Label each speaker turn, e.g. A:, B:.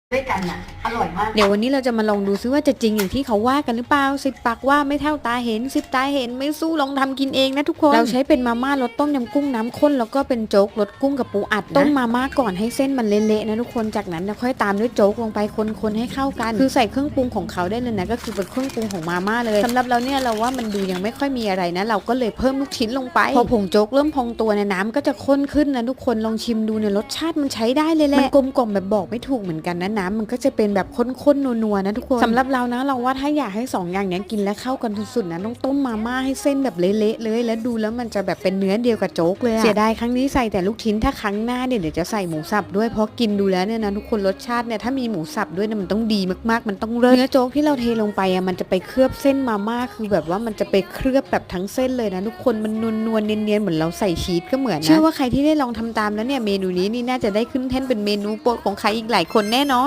A: ด้วยกันอ่ะอร่อยมาก
B: เดี๋ยววันนี้เราจะมาลองดูซิว่าจะจริงอย่างที่เขาว่ากันหรือเปล่า10 ปากว่าไม่เท่าตาเห็น10 ตาเห็นไม่สู้ลองทำกินเองนะทุกคนเราใช้เป็นมาม่ารสต้มยำกุ้งน้ำข้นแล้วก็เป็นโจ๊กรสกุ้งกับปูอัดนะต้มมาม่าก่อนให้เส้นมันเละๆนะทุกคนจากนั้นเราค่อยตามด้วยโจ๊กลงไปคนๆให้เข้ากันคือใส่เครื่องปรุงของเขาได้เลยนะก็คือเป็นเครื่องปรุงของมาม่าเลยสำหรับเราเนี่ยเราว่ามันดูยังไม่ค่อยมีอะไรนะเราก็เลยเพิ่มลูกชิ้นลงไปพอผงโจ๊กเริ่มพองตัวเนี่ยน้ำก็จะข้นขึ้นนะทุกคนลองชิมดูเนี่ยรสชาติมันใช้ได้เลยแหละมันกลมกล่อมแบบบอกไม่ถูกเหมือนกันนะน้ำมันก็จะเป็นแบบข้นๆนัวๆนะทุกคนสำหรับเรานะเราว่าถ้าอยากให้2 อย่างนี้กินและเข้ากันสุดๆนะต้องต้มมาม่าให้เส้นแบบเละๆเลยแล้วดูแล้วมันจะแบบเป็นเนื้อเดียวกับโจ๊กเลยเสียดายครั้งนี้ใส่แต่ลูกชิ้นถ้าครั้งหน้าเนี่ยเดี๋ยวจะใส่หมูสับด้วยเพราะกินดูแล้วเนี่ยนะทุกคนรสชาติเนี่ยถ้ามีหมูสับด้วยเนี่ยมันต้องดีมากๆมันต้องเลิศเนื้อโจ๊กที่เราเทลงไปอ่ะมันจะไปเคลือบเส้นมาม่าคือแบบว่ามันจะไปเคลือบแบบทั้งเส้นเลยนะทุกคนมันนวลๆเนียนๆเหมือนเราใส่ชีสก็เหมือนนะเชื่อว่าใครที่ได้ลองทำตามแล้วเนี่ยเมนูนี้นี่น่าจะได้ขึ้นแท่นเป็นเมนูโปรดของใครอีกหลายคนแน่นอน